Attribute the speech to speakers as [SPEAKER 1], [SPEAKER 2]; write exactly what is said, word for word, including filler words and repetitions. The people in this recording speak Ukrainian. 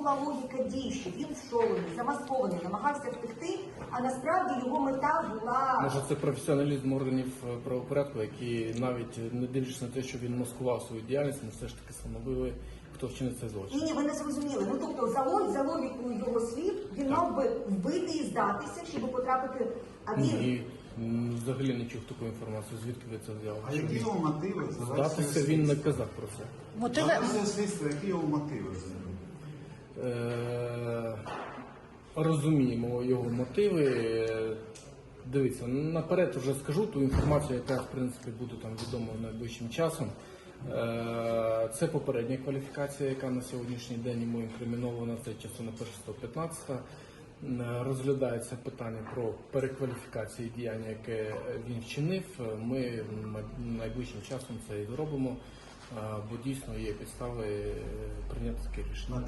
[SPEAKER 1] була логіка дій, що він вшований, замаскований, намагався втекти, а насправді його мета була...
[SPEAKER 2] Може, це професіоналізм органів правопорядку, які навіть не дивлячись на те, що він маскував свою діяльність, ми все ж таки встановили, хто вчинив цей злочин.
[SPEAKER 1] Ні, ні, ви не зрозуміли. Ну, тобто, за, лог- за логікою його слів, він мав би вбити і здатися, щоб потрапити... А він...
[SPEAKER 2] І м, взагалі не чув таку інформацію, звідки ви це взяли?
[SPEAKER 3] А які його мотиви?
[SPEAKER 2] Здатися він не казав про це.
[SPEAKER 4] Мотиви
[SPEAKER 3] Мотиви слідства, які його мотиви?
[SPEAKER 2] Е, розуміємо його мотиви. Е, Дивіться, наперед вже скажу ту інформацію, яка в принципі буде там відома найближчим часом. Е, Це попередня кваліфікація, яка на сьогоднішній день йому інкримінована, це частина перша сто п'ятнадцята. Е, Розглядається питання про перекваліфікацію діяння, яке він вчинив. Ми найближчим часом це і зробимо, е, бо дійсно є підстави е, прийняти таке рішення.